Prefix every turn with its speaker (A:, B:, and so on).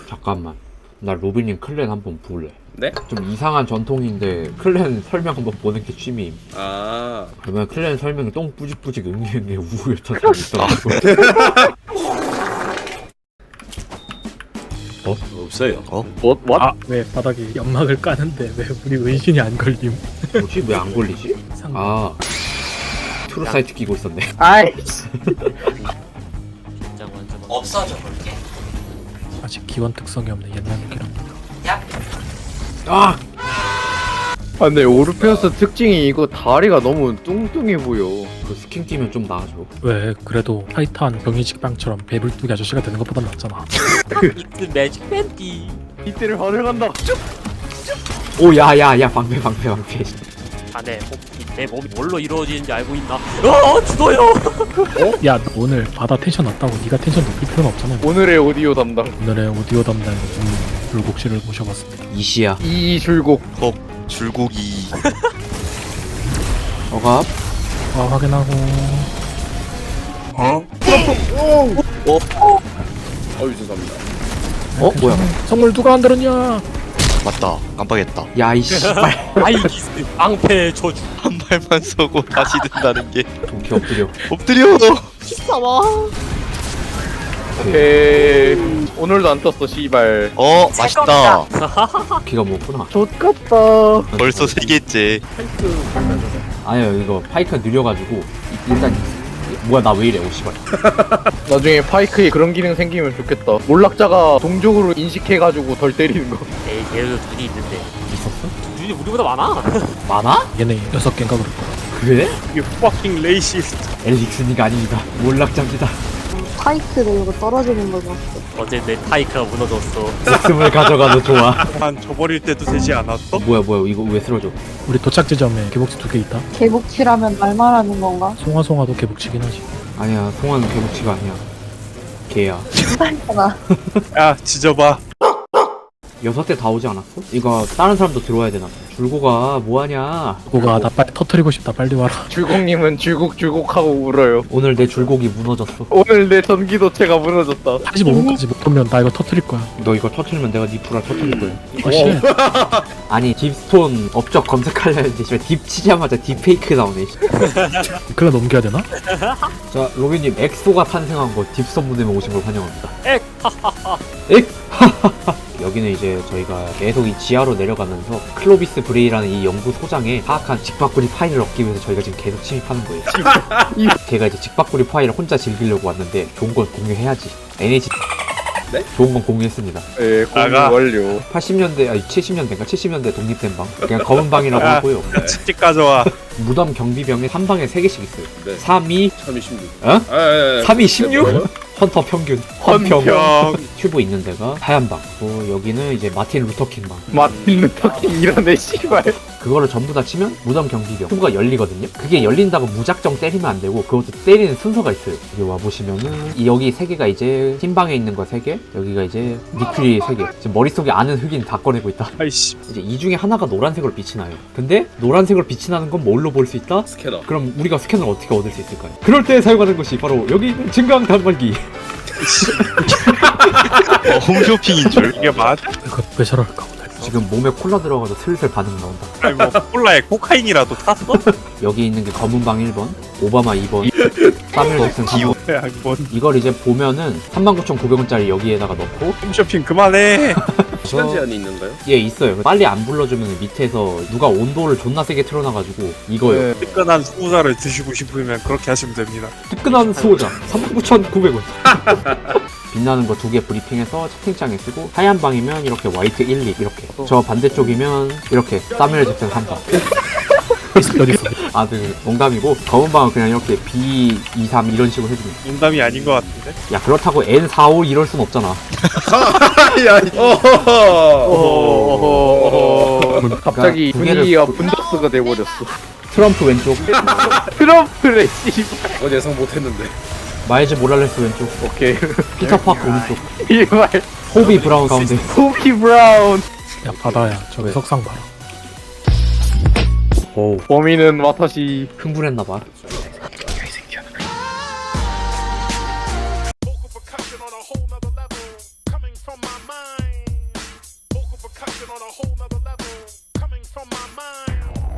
A: 잠깐만, 나 로빈님 클랜 한번 볼래.
B: 네?
A: 좀 이상한 전통인데 클랜 설명 한번 보는 게 취미임.
B: 아
A: 그러면 클랜 설명이 똥 뿌직뿌직 응애응애 우우였던 사람이 있더라고.
B: 없어요.
C: 아, 왜 바닥에 연막을 까는데 왜 우리 은신이 안 걸림?
A: 뭐지? 왜 안 걸리지?
C: 상...
A: 아, 트루 사이트 끼고 있었네.
C: 아이씨.
D: 없어져 볼게.
C: 아직 기원 특성이 없네 옛날 무기랑.
D: 야,
A: 아!
E: 아 근데 오르페우스 특징이 이거 다리가 너무 뚱뚱해 보여.
A: 그 스킨 끼면 좀 나아져.
C: 왜 그래도 타이탄 병인식빵처럼 배불뚝이 아저씨가 되는 것보단 낫잖아.
D: 이트 매직 팬티.
E: 이때를 환영한다.
A: 오, 야, 방패.
D: 자네 내 몸이 뭘로 이루어지는지 알고 있나? 죽어요.
C: 야, 너 오늘 바다 텐션 낮다고 네가 텐션 높일 필요는 없잖아.
E: 오늘의 오디오 담당
C: 오늘의 오디오 담당 불곡 씨를 모셔봤습니다.
A: 이시야.
E: 이줄곡.
F: 줄고기.
A: 어갑.
C: 확인하고.
B: 어유 죄송합니다.
A: 뭐야?
C: 선물 누가 안 들었냐?
F: 맞다. 깜빡했다.
A: 야, 이 씨발.
D: 아이기스 방패 저주.
F: 한 발만 쏘고 다시 든다는 게
A: 동키 엎드려.
F: 엎드려.
E: 오케이. 오늘도 안 떴어 씨발.
F: 맛있다.
A: 기가 먹구나.
E: 좋겠다.
F: 벌써 3개째.
A: 아니요, 이거 파이크가 느려가지고 일단 뭐야, 나 왜 이래? 오 씨발.
E: 나중에 파이크에 그런 기능 생기면 좋겠다. 몰락자가 동족으로 인식해가지고 덜 때리는 거.
D: 얘도 눈이 있는데
A: 있었어?
D: 눈이 우리보다 많아.
A: 많아?
C: 얘네 6개인가 그럴 거야.
A: 그래?
D: 이게 fucking 레이시스트.
A: 엘릭슨이가 아닙니다. 몰락자입니다.
G: 파이크를 이거 떨어지는 걸 봤어.
D: 어제 내 타이크가 무너졌어.
A: 목숨을 가져가도 좋아.
H: 한 줘버릴 때도 되지 않았어?
A: 뭐야, 이거 왜 쓰러져?
C: 우리 도착 지점에 개복치 2개 있다.
G: 개복치라면 말만 하는 건가?
C: 송화송화도 개복치긴 하지.
A: 아니야, 송환은 개복치가 아니야. 개야.
G: 파이크가.
H: 야 지져봐.
A: 6대 다 오지 않았어? 이거 다른 사람도 들어와야 되나? 줄고가 뭐하냐?
C: 그거가 나 빨리 터트리고 싶다. 빨리 와라.
E: 줄곡님은 줄곡하고 울어요.
A: 오늘 내 줄곡이 무너졌어.
E: 오늘 내 전기도체가 무너졌다.
C: 45분까지 못 오면 나 이거 터트릴 거야.
A: 너 이거 터트리면 내가 니 불알 터트릴 거야.
C: 씨.
A: 아니, 딥스톤 업적 검색하려 했는데 씨발 딥 치자마자 딥페이크 나오네. 씨.
C: 그래 넘겨야 되나?
A: 자, 로빈님, 엑소가 탄생한 거 딥스톤 무대에 오신 걸 환영합니다.
D: 엑!
A: 엑! 여기는 이제 저희가 계속 이 지하로 내려가면서 클로비스 브레이라는 이 연구소장에 파악한 직박구리 파일을 얻기 위해서 저희가 지금 계속 침입하는 거예요. 걔가 이제 직박구리 파일을 혼자 즐기려고 왔는데 좋은 건 공유해야지. NH
B: 네?
A: 좋은 건 공유했습니다.
E: 예, 공유
H: 나가.
E: 완료.
A: 80년대, 아니 70년대인가? 70년대 독립된 방. 그냥 검은 방이라고 하고요.
H: 치킨 가져와.
A: 무덤 경비병에 한 방에 3개씩 있어요.
B: 네.
A: 3이,
B: 3이 16.
A: 어? 3이
B: 뭐예요?
A: 16? 헌터 평균. 헌평.
H: 형.
A: 튜브 있는 데가 하얀 방. 여기는 이제 마틴 루터킹 방.
E: 마틴 루터킹 이러네 씨발.
A: 그거를 전부 다 치면 무덤 경비병 튜브가 열리거든요. 그게 열린다고 무작정 때리면 안 되고 그것도 때리는 순서가 있어요. 여기 와 보시면은 여기 3개가 이제 흰 방에 있는 거 3개, 여기가 이제 니클리 3개. 지금 머릿속에 아는 흑인 다 꺼내고 있다.
H: 아이씨.
A: 이제 이 중에 하나가 노란색으로 빛이 나요. 근데 노란색으로 빛이 나는 건 뭘로 볼 수 있다?
B: 스캐너.
A: 그럼 우리가 스캐너를 어떻게 얻을 수 있을까요? 그럴 때 사용하는 것이 바로 여기 있는 증강 단말기.
F: 홈쇼핑인 줄.
H: 이게 맞?
C: 이거 왜 저럴까 오늘.
A: 지금 몸에 콜라 들어가서 슬슬 반응 나온다.
H: 아니 뭐 콜라에 코카인이라도 탔어?
A: 여기 있는 게 검은 방 1번, 오바마 2번, 사뮤엘 잭슨 3번.
H: 야 뭐
A: 이걸 이제 보면은 39,900원짜리 여기에다가 넣고
H: 홈쇼핑 그만해.
B: 시간 제한이 있는가요?
A: 예, 있어요. 빨리 안 불러주면 밑에서 누가 온도를 존나 세게 틀어놔가지고 이거요.
E: 네.
H: 뜨끈한 수호자를 드시고 싶으면 그렇게 하시면 됩니다.
A: 뜨끈한 수호자 39,900원. 빛나는 거 2개 브리핑해서 채팅창에 쓰고 하얀 방이면 이렇게 화이트 1, 2 이렇게 저 반대쪽이면 이렇게 사뮤엘 잭슨 3방.
C: 여기 있어.
A: 아, 그 농담이고 검은 방은 그냥 이렇게 B, 2, 3 이런 식으로 해주면
H: 농담이 아닌 것 같은데?
A: 야 그렇다고 N, 4, 5 이럴 순 없잖아.
B: 야,
E: 갑자기
A: 두 개를
E: 분위기가 분덕스가 돼버렸어.
A: 트럼프 왼쪽,
E: 트럼프래 씨발.
B: 그건 예상 못했는데.
A: 마일즈 모랄레스 왼쪽,
E: 오케이.
A: 피터 파크 오른쪽,
E: 이발.
A: 호비 브라운 가운데.
E: 호비 브라운.
C: 야 바다야. 저기 석상 봐라.
A: 오,
E: 범인은 와타시.
A: 흥분했나봐.
I: Vocal percussion on a whole nother level coming from my mind. on a whole nother level, coming from my mind.